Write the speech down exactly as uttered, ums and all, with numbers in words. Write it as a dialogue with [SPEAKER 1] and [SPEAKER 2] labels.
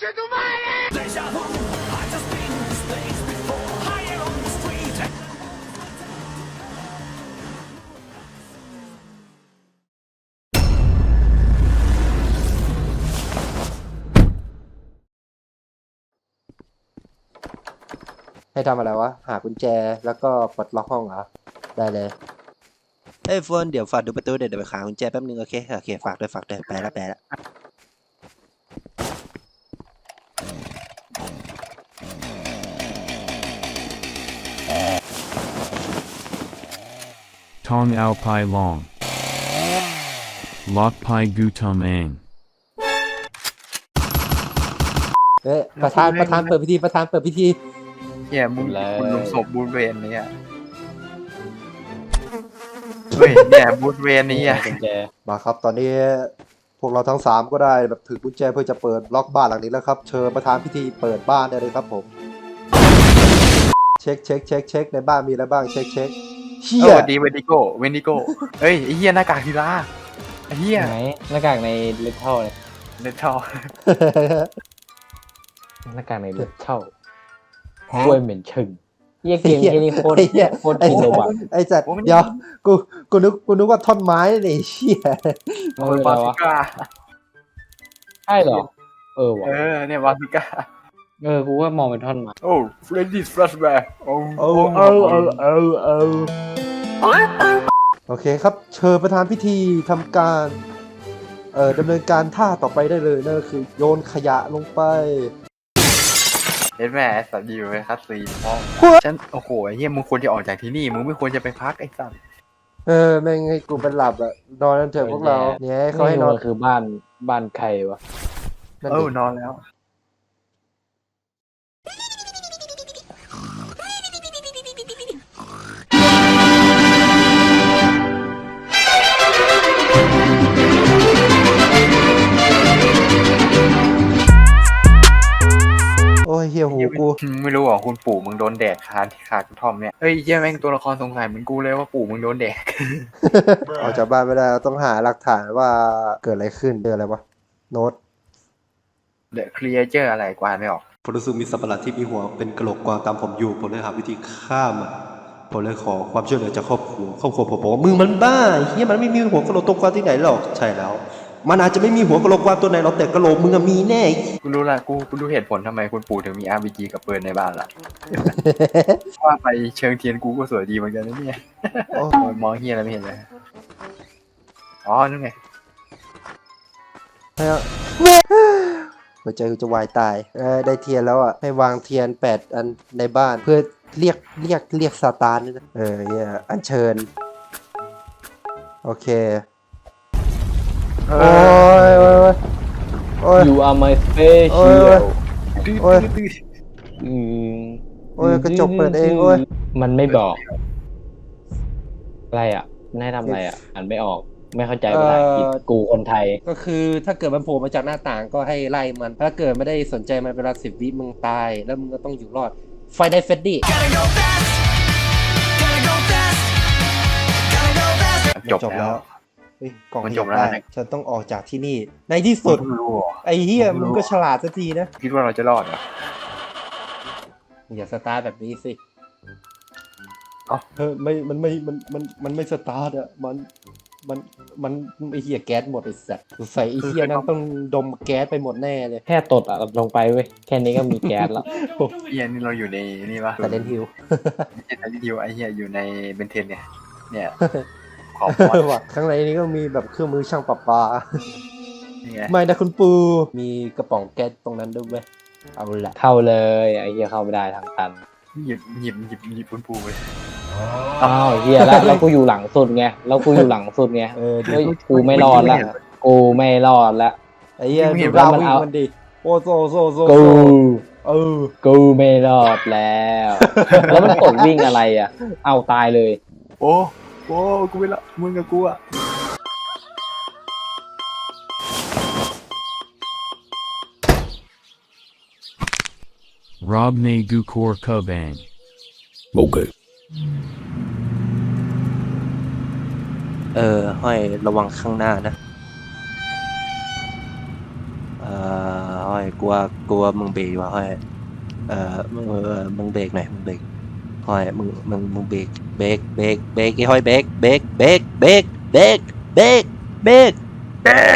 [SPEAKER 1] ให้ทำอะไรวะหากุญแจแล้วก็ปลดล็อกห้องเหรอได้เลยเอ้ยโฟนเดี๋ยวฝากดูประตูเดี๋ยวเดี๋ยวไปหากุญแจแป๊บนึงโอเคโอเคฝากด้วยฝากด้วยไปแล้วไปแล้ว
[SPEAKER 2] Tong ao pai long. Lok pai gu tum ang.
[SPEAKER 1] เอ้ยประธานประธานเปิดพิธีประธานเปิดพิธี
[SPEAKER 3] เฮียมึงมึงลงศพบูธเวนนี่อ่ะเฮ้ยเนี่ยบูธเวนนี่อ่ะ
[SPEAKER 1] มาครับตอนนี้พวกเราทั้งสามก็ได้แบบถือกุญแจเพื่อจะเปิดล็อกบ้านหลังนี้แล้วครับเชิญประธานพิธีเปิดบ้านได้เลยครับผมเช็คเช็คเช็คเช็คในบ้านมีอะไรบ้างเช็คเช็คเฮี
[SPEAKER 3] เอย อดีเวนดิโก้เวนดิโก้เฮ้ยไอ้เฮียหน้ากากทีละไอ้เฮีย
[SPEAKER 4] ไหนหน้ากากในเลือดเท่าเลย
[SPEAKER 3] เน็ตท่อ
[SPEAKER 4] หน้ากากในเลือดเท่าช่วยเหม็นชึงเยี่ยเกมที่นี่โคตรโคตรกินเลยว่ะ
[SPEAKER 1] ไอ้จัดเดี๋ยวกูกูนึกกูนึกว่าท่อนไม้นี่เชี่ย
[SPEAKER 3] โอ้ยบาซิก้า
[SPEAKER 4] ใช่เหรอเออว่ะ
[SPEAKER 3] เออเนี่ยบาซิก้า
[SPEAKER 4] เออกูว่ามองเป็นท่อนไม้
[SPEAKER 3] โอ้เฟรนดี้แฟลชแบ็กโอ้
[SPEAKER 1] เออเออเออเออเออโอเคครับเชิญประธานพิธีทำการเอ่อดำเนินการท่าต่อไปได้เลยนั่นก็คือโยนขยะลงไป
[SPEAKER 3] เห็นไหมไอ้สัตว์อยู่ในคัสซีนห้องฉันโอ้โหไอ้เฮียมึงควรจะออกจากที่นี่มึงไม่ควรจะไปพักไอ้สัตว์
[SPEAKER 1] เออแม่งให้กูเป็นหลับอะนอนกันเถอะพวกเราเนี่ยเขาให้นอน
[SPEAKER 4] นี่คือบ้านบ้านใครวะ
[SPEAKER 1] นั่น
[SPEAKER 3] เอ
[SPEAKER 1] ดิ
[SPEAKER 3] อนอนแล้ว
[SPEAKER 1] โอ้ยเฮียหูกู
[SPEAKER 3] ไม่รู้หรอคุณปู่มึงโดนแดดคาที่คากระท่อมเนี่ยเฮ้ยเฮียแม่งตัวละครสงสัยเหมือนกูเลยว่าปู่มึงโดนแดด
[SPEAKER 1] ออกจากบ้านไม่ได้เราต้องหาหลักฐานว่าเกิดอะไรขึ้นเจออะไรวะโน้ต
[SPEAKER 3] เดอะครีเอเจอร์อะไรกว่าไม่ออก
[SPEAKER 5] ผมรู้สึกมีสัตว์ประหลาดที่มีหัวเป็นกระโหลกกวางตามผมอยู่ผมเลยหาวิธีฆ่ามันผมเลยขอความช่วยเหลือจากครอบครัวครอบครัวผมบอกว่ามึงมันบ้าเฮียมันไม่มีหัวกระโหลกตัวกวางที่ไหนหรอกใช่แล้วมันอาจจะไม่มีหัวกระโหลกกวางตัวไหนหรอกแต่กระโหลกมึงอะมีแน่
[SPEAKER 3] กูรู้ละกูกูรู้เหตุผลทำไมคุณปู่ถึงมี อาร์ พี จี กับปืนในบ้านละ ว่าไปเชิงเทียนกูก็สวยดีเหมือนกันนะเนี่ย
[SPEAKER 1] โอ้
[SPEAKER 3] โอ้ยมองเฮียอะไรไม่เห็นเลยอ๋อนั่นไง
[SPEAKER 1] ให้เอาหัวใจกูจะวายตายเออได้เทียนแล้วอ่ะให้วางเทียนแปดอันในบ้านเพื่อเรียกเรียกเรียกซาตานนี่นะเออเฮียอัญเชิญโอเค
[SPEAKER 3] เอ
[SPEAKER 1] โอ้
[SPEAKER 3] อย
[SPEAKER 1] โอ้ยโอ้ย
[SPEAKER 4] อยู่อาร์มาสเป
[SPEAKER 1] โอ้
[SPEAKER 4] เชี
[SPEAKER 1] ย
[SPEAKER 4] ยล
[SPEAKER 3] ดื้อ
[SPEAKER 1] โอ้ย
[SPEAKER 3] ดื้อ
[SPEAKER 4] อืม
[SPEAKER 1] โอ้ยกระจกเปิดเองโอ้ย
[SPEAKER 4] มันไม่บอก อะไรอ่ะนายทำอะไรอ่ะอ่านไม่ออกไม่เข้าใจภาษาอังกฤษ
[SPEAKER 1] เอ่อ
[SPEAKER 4] กูคนไทย
[SPEAKER 1] ก็คือถ้าเกิดมันโผล่มาจากหน้าต่างก็ให้ไล่มัน ถ้าเกิดไม่ได้สนใจมันเวลาสิบวิมึงตาย แล้วมึงก็ต้องอยู่รอด ไฟได้เฟดดี้
[SPEAKER 3] จบแล้ว
[SPEAKER 1] เฮ้ยกล่อง
[SPEAKER 3] มัน
[SPEAKER 1] ข
[SPEAKER 3] จ
[SPEAKER 1] ยั
[SPEAKER 3] บบ แล้ว
[SPEAKER 1] ได้
[SPEAKER 3] นะ
[SPEAKER 1] ฉันต้องออกจากที่นี่ ในที่สุด
[SPEAKER 3] ไม่รู้หรอ
[SPEAKER 1] ไอ้เหี้ยมึงก็ฉลาดสักทีนะ
[SPEAKER 3] คิดว่าเราจะรอดเหรอ
[SPEAKER 1] อย่าสตาร์ทแบบนี้สิ
[SPEAKER 3] เอ้า
[SPEAKER 1] เฮ้ยไม่ มันไม่ มัน มัน มันไม่สตาร์ทอะมัน มัน มันไอ้เหี้ยแก๊สหมดไอ้สัสใส่ไอ้เหี้ยนั้นต้องดมแก๊สไปหมดแน่เลย
[SPEAKER 4] แค่ตดอ่ะลงไปเว้ยแค่นี้ก็มีแก๊สแล้ว
[SPEAKER 3] เฮียนี่เราอยู่ในนี่ปะ
[SPEAKER 1] แต่เดนฮิล
[SPEAKER 3] ไม่ใช่ไทยดิวไอเฮียอยู่ในเบนเทนเนี่ย เนี่ยขอบอ
[SPEAKER 1] ว่ะข้างในนี้ก็มีแบบเครื่องมือช่างประปา
[SPEAKER 3] นี่ไง
[SPEAKER 1] ไม่นะคุณปู มีกระป๋องแก๊สตรงนั้นด้วยเว้ย เอาละ
[SPEAKER 4] เข้าเลยไอ้เหี้ยเข้าไม่ได้ทางตัน
[SPEAKER 3] หยิบหยิบหยิบหยิบปุนปูไป
[SPEAKER 4] อ้าวเหี้ยแล้วแล้วกูอยู่หลังสุดไงแล้วกูอยู่หลังสุดไง
[SPEAKER 1] เออดิ
[SPEAKER 4] เฮ้ยกูไม่รอดละกูไม่รอดละ
[SPEAKER 1] ไอ้เหี้ย
[SPEAKER 3] ไม่เห็
[SPEAKER 1] ดู
[SPEAKER 3] น
[SPEAKER 1] ดาว
[SPEAKER 4] มัน
[SPEAKER 1] วิ่ง
[SPEAKER 4] เอา
[SPEAKER 1] มันดิ โอ้โซโซโซ
[SPEAKER 4] กู
[SPEAKER 1] โซเออ
[SPEAKER 4] กูไม่รอดแล้ว แล้วมันกดวิ่งอะไรอ่ะ เอาตายเลย
[SPEAKER 3] โอ้โอ้กูไม่ละมึงกับกูอะ
[SPEAKER 2] Rob ne gu kor kubang.
[SPEAKER 5] Okay.
[SPEAKER 1] เออห้อยระวังข้างหน้านะ เออห้อย
[SPEAKER 5] กลัวกลัวมึงเบรกว่ะห้อยเอ่อมึงเออมึงเบรกหน่อยมึงเบรกห้อยมึงมึงมึงเบรกเบรกเบรกเบรกไอ้ห้อยเบรกเบรกเบรกเบรกเบรกเบรกเบรกเบรก